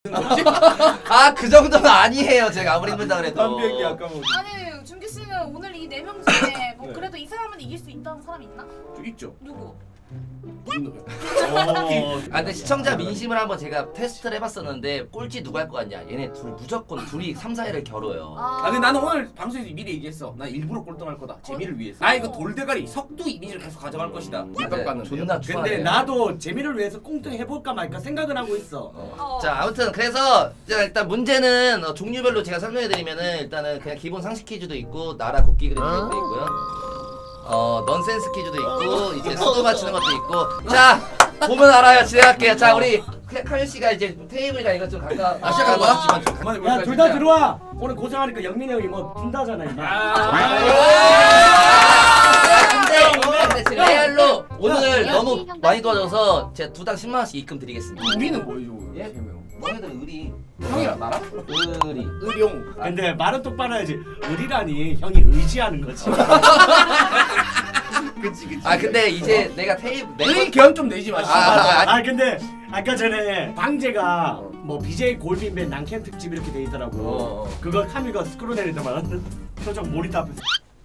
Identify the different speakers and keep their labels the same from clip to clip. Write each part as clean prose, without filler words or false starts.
Speaker 1: 아, 그 정도는 아니에요. 제가 아무리 힘들다 그래도.
Speaker 2: 한 비행기 아까 뭐.
Speaker 3: 아니 준기 씨는 오늘 이 4명 중에 뭐
Speaker 2: 네.
Speaker 3: 그래도 이 사람은 이길 수 있다는 사람 있나?
Speaker 2: 저 있죠.
Speaker 3: 누구?
Speaker 1: 아, 근데 시청자 민심을 한번 제가 테스트를 해봤었는데 꼴찌 누가 할 것 같냐? 얘네 무조건 둘이 3, 4회를 겨뤄요.
Speaker 2: 아 근데 나는 오늘 방송에서 미리 얘기했어. 나 일부러 꼴등할 거다. 재미를 위해서. 아 이거 돌대가리 석두 이미지를 계속 가져갈 것이다.
Speaker 1: 네, 존나 추하네.
Speaker 4: 근데 나도 재미를 위해서 꽁뚱 해볼까 말까 생각은 하고 있어.
Speaker 1: 자, 아무튼 그래서 자, 일단 문제는 종류별로 제가 설명해드리면은 일단은 그냥 기본 상식 퀴즈도 있고 나라 국기 그리는 것도 있고요. 넌센스 퀴즈도 있고 이제 수도 맞추는 것도 있고. 자, 보면 알아요. 진행할게요. 자, 우리 카일 씨가 이제 테이블이랑 이것 좀 가까.
Speaker 2: 시작하는 거야? 그만해.
Speaker 4: 야 둘 다 들어와. 오늘 고생하니까 영민이 형이 뭐 빈다잖아 임마.
Speaker 1: 근데 지금 레알로 오늘 너무 많이 도와줘서 제가 두당 10만 원씩 입금 드리겠습니다.
Speaker 2: 우리는 뭐예요?
Speaker 1: 예? 너희들 의리.
Speaker 2: 형이랑 나랑?
Speaker 1: 의리.
Speaker 2: 의룡.
Speaker 4: 근데 말은 똑바로 해야지. 의리라니 형이 의지하는 거지.
Speaker 2: 그치.
Speaker 1: 아, 근데 이제 내가
Speaker 2: 의리 견 좀 내지 마시고.
Speaker 4: 아 근데 아까 전에 방제가 뭐 BJ 골빈밴 난캠 특집 이렇게 돼 있더라고. 그거 카미가 스크롤 내리더만 표정 모니터 앞에서.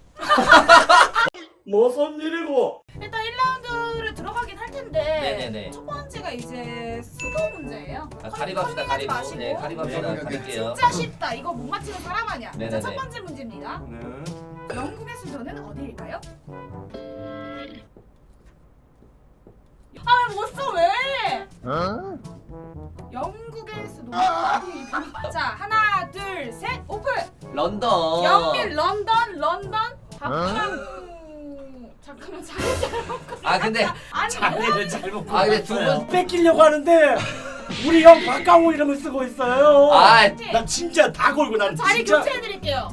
Speaker 4: 무슨 일이고?
Speaker 3: 일단 1라운드를 들어가긴 할 텐데
Speaker 1: 네네네.
Speaker 3: 첫 번째가 이제 수도 문제예요.
Speaker 1: 아, 가리고 합시다.
Speaker 3: 컨닝하지
Speaker 1: 가리고.
Speaker 3: 마시고.
Speaker 1: 네, 가리고 합시다.
Speaker 2: 네,
Speaker 1: 가릴게요.
Speaker 3: 진짜 쉽다. 이거 못 맞히는 사람 아니야. 자,
Speaker 1: 네네네.
Speaker 3: 첫 번째 문제입니다. 영국의 수도는 어디일까요? 아, 못 써 왜? 영국의 수도는 어디일까요? 자, 하나, 둘, 셋, 오픈.
Speaker 1: 런던.
Speaker 3: 영민 런던. 박항. 잠깐만 자리 잘못.
Speaker 1: 아, 근데
Speaker 3: 아니
Speaker 4: 자네를 잘못
Speaker 1: 아, 근데 두 분.
Speaker 4: 뺏기려고 하는데 우리 형 박강호 이름을 쓰고 있어요.
Speaker 1: 아,
Speaker 4: 나 진짜 다 걸고 난
Speaker 3: 자리
Speaker 4: 진짜.
Speaker 3: 교체해드릴게요.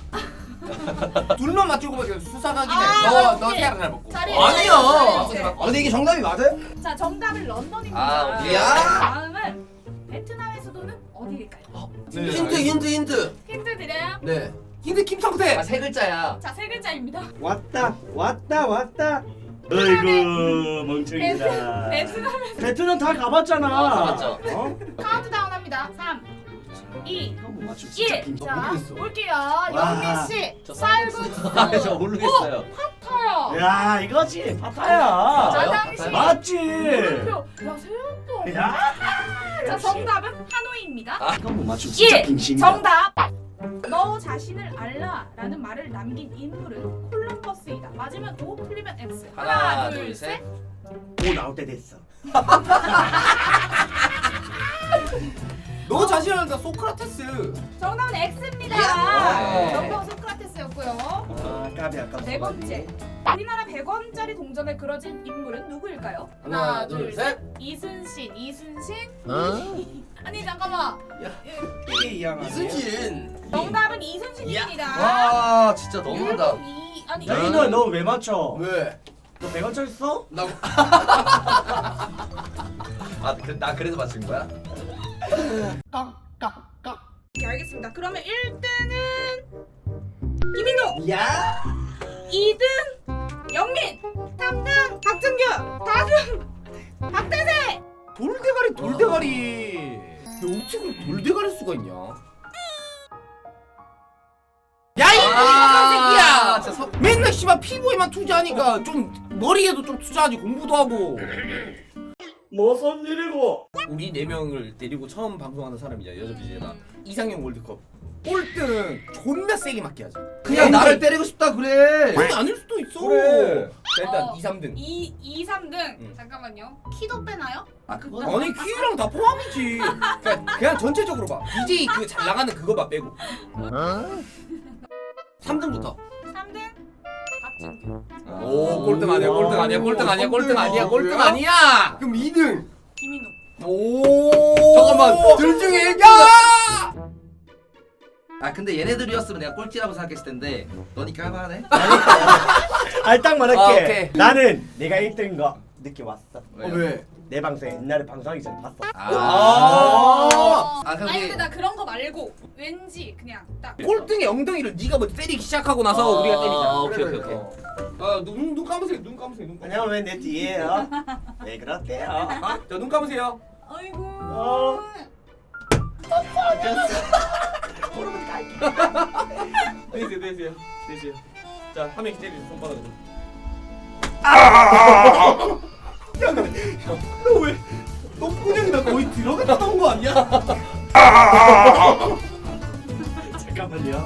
Speaker 2: 둘만 맞추고 보면 수사각이네.
Speaker 3: 아,
Speaker 2: 너
Speaker 3: 오케이.
Speaker 2: 세랑 잘 먹고.
Speaker 3: 자리
Speaker 2: 아니요.
Speaker 3: 교체.
Speaker 2: 근데 이게 정답이 맞아요?
Speaker 3: 자, 정답은 런던입니다.
Speaker 1: 아, 오케이.
Speaker 3: 다음은 베트남의 수도는 어디일까요?
Speaker 2: 힌트.
Speaker 3: 힌트 드려요?
Speaker 2: 네. 힌트 김성태.
Speaker 1: 아, 세 글자야.
Speaker 3: 자, 세 글자입니다.
Speaker 4: 왔다. 어이구 멍청이다.
Speaker 3: 베트남의
Speaker 4: 베트남 다 가봤잖아.
Speaker 1: 가봤죠.
Speaker 4: 어?
Speaker 3: 카운트다운 합니다. 3, 2,
Speaker 4: 형 못 맞추고 진짜
Speaker 3: 1.
Speaker 4: 빈
Speaker 3: 자,
Speaker 2: 모르겠어.
Speaker 3: 볼게요.
Speaker 4: 와.
Speaker 3: 영민 씨,
Speaker 1: 저
Speaker 3: 쌀국수.
Speaker 1: 아, 저 모르겠어요.
Speaker 3: 파타야.
Speaker 4: 야 이거지 파타야.
Speaker 1: 맞아요?
Speaker 3: 짜장시.
Speaker 4: 맞지.
Speaker 3: 물음표. 야, 새우도.
Speaker 4: 야.
Speaker 3: 자, 정답은 하노이입니다.
Speaker 4: 이건 못 맞추고 진짜
Speaker 3: 1.
Speaker 4: 빙신이다.
Speaker 3: 정답. 너 자신을 알라라는 말을 남긴 인물은 콜럼버스이다. 맞으면 O, 틀리면 X.
Speaker 1: 하나, 둘, 셋.
Speaker 4: 오 나올 때 됐어.
Speaker 2: 너 자신을 알다 소크라테스.
Speaker 3: 정답은 X입니다.
Speaker 1: 야.
Speaker 3: 정답은 소크라테스였고요.
Speaker 4: 아 까비 아까.
Speaker 3: 네 번째. 우리나라 100원짜리 동전에 그려진 인물은 누구일까요?
Speaker 2: 하나, 둘, 셋.
Speaker 3: 이순신.
Speaker 1: 어?
Speaker 3: 아니 잠깐만.
Speaker 4: 이게 이양 아니야?
Speaker 2: 이순신.
Speaker 3: 정답은 이순신입니다.
Speaker 1: 와, 진짜 너무한다.
Speaker 3: 아니
Speaker 4: 야 이너 너 왜 맞춰?
Speaker 2: 왜?
Speaker 4: 너 100원짜리 써?
Speaker 2: 나
Speaker 1: 아, 나 그래서 맞춘 거야?
Speaker 3: 오케이, 알겠습니다. 그러면 1등은 김인호,
Speaker 4: 야.
Speaker 3: 2등 영민, 3등 박준규, 4등 박대세.
Speaker 2: 돌대가리. 어떻게 그렇게 돌대가리 수가 있냐? 야
Speaker 1: 아,
Speaker 2: 이
Speaker 1: 진짜
Speaker 2: 새끼야! 맨날 씨발 피부에만 투자하니까 좀 머리에도 좀 투자하지 공부도 하고.
Speaker 4: 무슨 일이고?
Speaker 2: 우리 4명을 데리고 처음 방송하는 사람이잖아 여자 BJ가. 이상형 월드컵 꼴등은 존나 세게 맞게 하자.
Speaker 1: 그냥 나를 때리고 싶다 그래.
Speaker 2: 그게 아닐 수도 있어.
Speaker 1: 그래.
Speaker 2: 자, 일단
Speaker 3: 어.
Speaker 2: 2, 3등.
Speaker 3: 2, 3등.
Speaker 2: 응.
Speaker 3: 잠깐만요. 키도 빼나요?
Speaker 1: 아, 그건
Speaker 2: 아니 키랑 다 포함이지. 그냥 전체적으로 봐. BJ 그 잘 나가는 그거만 빼고. 3등부터.
Speaker 3: 3등 박준규.
Speaker 2: 오 꼴등 아니야 꼴등 아니야 꼴등 아니야 꼴등 아니야 꼴등 아니야. 그럼 2등.
Speaker 3: 김인호.
Speaker 2: 오 잠깐만 둘 중에 야.
Speaker 1: 아, 근데 얘네들이었으면 내가 꼴찌라고 생각했을 텐데 너니까 할만하네.
Speaker 4: 딱 말할게.
Speaker 1: 아, 오케이.
Speaker 4: 나는 내가 1등인 거 느껴 왔어.
Speaker 2: 왜?
Speaker 4: 내 방송 옛날에 방송하기 전에 봤어.
Speaker 1: 아, 그럼
Speaker 3: 아니
Speaker 1: 우리
Speaker 3: 근데 나 그런 거 말고 왠지 그냥 딱
Speaker 2: 꼴등의 엉덩이를 네가 먼저 때리기 시작하고 나서 우리가 때리자.
Speaker 1: 오케이.
Speaker 2: 눈 감으세요. 눈 감으세요. 눈 감으세요.
Speaker 4: 안녕 왜 내 뒤에요? 왜 그렇대요?
Speaker 2: 자, 눈 감으세요.
Speaker 3: 아이고.
Speaker 4: 어.
Speaker 2: 내세요. 자, 한 명씩 때리세요. 손바닥으로. 야, 근데 너 왜? 똥구녕이 나 거의 들어갔던 거 아니야?
Speaker 4: 잠깐만요.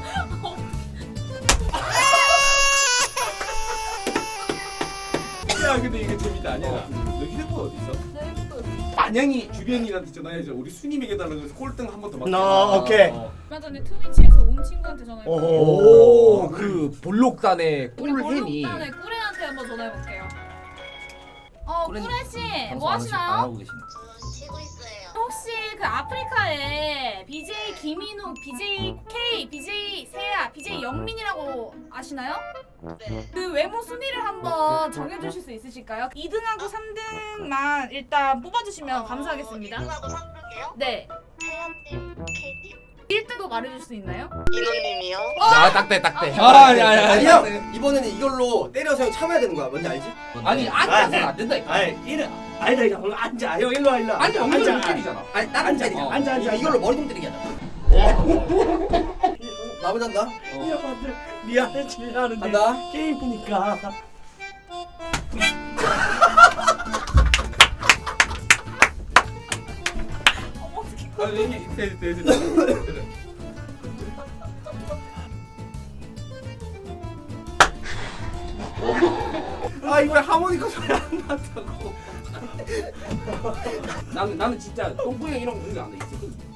Speaker 2: 야, 근데 이게 재밌다. 아니야. 너 휴대폰 어디 있어? 안양이 주변이한테 전화해서 우리 순임에게 달라고 해서 꼴등 한 번 더 맞자.
Speaker 4: 오케이.
Speaker 3: 얼마 전에 트위치에서 온 친구한테 전화해볼게요.
Speaker 2: 오, 그 볼록단의
Speaker 3: 우리
Speaker 2: 꿀햄이.
Speaker 3: 볼록단의 꿀애한테 한번 전화해볼게요.
Speaker 1: 꿀애는
Speaker 3: 꿀애씨
Speaker 1: 방송
Speaker 3: 뭐
Speaker 1: 안
Speaker 3: 하시나요?
Speaker 1: 하고 계시네.
Speaker 5: 쉬고 있어요.
Speaker 3: 혹시 그 아프리카에 BJ 김인욱, BJ K, BJ 세아, BJ 영민이라고 아시나요?
Speaker 5: 네.
Speaker 3: 그 외모 순위를 한번 정해주실 수 있으실까요? 2등하고 3등만 일단 뽑아주시면 감사하겠습니다.
Speaker 5: 2등하고 3등이요?
Speaker 3: 네.
Speaker 5: 태연님, K님,
Speaker 3: 1등도 말해줄 수 있나요?
Speaker 5: 인호님이요?
Speaker 1: 아 딱대.
Speaker 2: 아니
Speaker 6: 형 이번에는 이걸로 때려서 형 참아야 되는 거야. 뭔지 알지?
Speaker 2: 아니 앉아서는 안 된다니까.
Speaker 4: 아니다 이거 앉아. 형 일로 와 일로 와.
Speaker 2: 아니 엉덩이 못 때리잖아.
Speaker 6: 아니 다른 때리자.
Speaker 4: 앉아.
Speaker 6: 이걸로 머리통 때리게 하자. 나 먼저 한다.
Speaker 4: 형한테 미안해 지하는데
Speaker 6: 간다.
Speaker 4: 게임이니까.
Speaker 2: 아니 돼. 아 이번에 하모니카 소리 안 났다고. 나는 진짜 똥구형 이런 거 공개 안 해. 있어.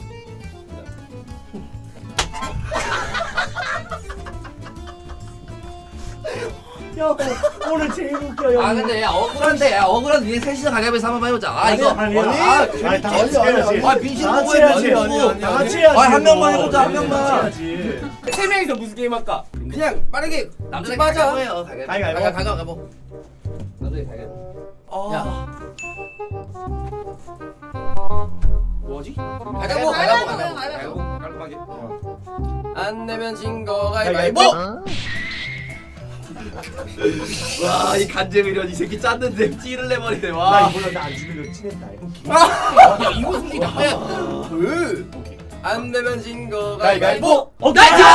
Speaker 4: 형 오늘 제일 웃겨 형.
Speaker 1: 아 근데 야 억울한데 억울한 니네 셋이서 가위바위보 한번 해보자. 아 이거
Speaker 4: 아니 다 같이
Speaker 6: 아니,
Speaker 4: 해야지.
Speaker 1: 아 민심
Speaker 4: 다 같이
Speaker 1: 보고
Speaker 4: 해야지.
Speaker 1: 해야지.
Speaker 4: 다 같이 해야지.
Speaker 1: 한 명만
Speaker 4: 뭐.
Speaker 1: 해보자, 한 명만.
Speaker 4: 다 같이 해야지.
Speaker 2: 세 명이서 무슨 게임 할까?
Speaker 6: 그냥 빠르게
Speaker 1: 남자들
Speaker 6: 맞아.
Speaker 1: 가위바위보 해요.
Speaker 4: 가위바위보.
Speaker 6: 가위바위보.
Speaker 1: 남자들 가위바위보.
Speaker 6: 야.
Speaker 2: 뭐지?
Speaker 6: 가위바위보.
Speaker 2: 깔끔하게.
Speaker 6: 안 내면 진 거 가위바위보.
Speaker 1: 와이 간제미련 이 새끼 짰는데 찌를 내버리네
Speaker 4: 나
Speaker 1: 와.
Speaker 4: 이걸로 나안 죽이려 친했다.
Speaker 2: 야 이거 솔직히 나빠야.
Speaker 6: 안 내면 진 거
Speaker 4: 가위바위보.
Speaker 6: 가위바위보.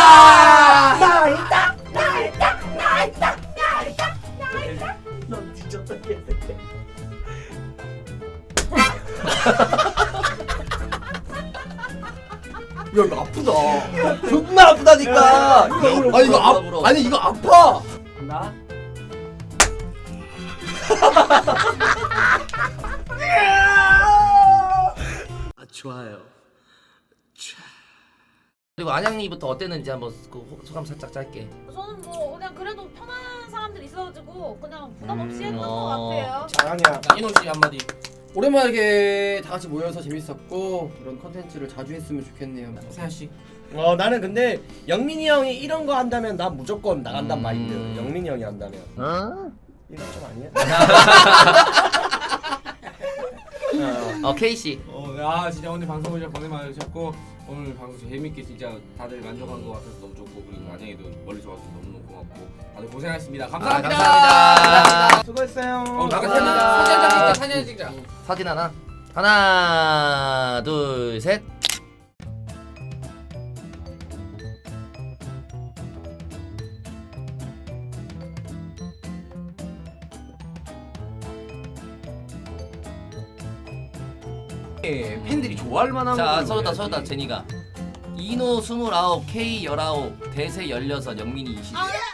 Speaker 4: 나이다. 넌 뒤졌다 얘.
Speaker 6: 야 이거 아프다. 존나 아프다니까.
Speaker 1: 이거
Speaker 6: 아니 이거
Speaker 1: 물어.
Speaker 6: 아니 이거 아파.
Speaker 4: 나.
Speaker 1: 좋아요. 그리고 안양이부터 어땠는지 한번 그 소감 살짝 짧게.
Speaker 3: 저는 뭐 그냥 그래도 편한 사람들 있어가지고 그냥 부담 없이 했던 것
Speaker 1: 어.
Speaker 3: 같아요.
Speaker 4: 잘하냐.
Speaker 2: 이노 씨 한마디.
Speaker 6: 오랜만에 이렇게 다 같이 모여서 재밌었고 이런 컨텐츠를 자주 했으면 좋겠네요.
Speaker 2: 세아 씨.
Speaker 4: 나는 근데 영민이 형이 이런 거 한다면 난 무조건 나간단 마인드. 영민이 형이 한다면. 이건 좀 아니야?
Speaker 1: K 씨.
Speaker 2: 야 진짜 오늘 방송을 진짜 고생 많으셨고 오늘 방송 재밌게 진짜 다들 만족한 것 같아서 너무 좋고 그리고 안양이도 멀리서 와서 너무너무 고맙고 다들 고생하셨습니다. 감사합니다.
Speaker 1: 감사합니다.
Speaker 4: 수고했어요.
Speaker 2: 나가 사진 한 장 찍자. 사진 찍자.
Speaker 1: 사진 하나 둘 셋.
Speaker 2: 팬들이 좋아할 만한
Speaker 1: 자
Speaker 2: 걸로
Speaker 1: 서다
Speaker 2: 해야지.
Speaker 1: 제니가 이노 29, K 19, 대세 16, 영민이 20.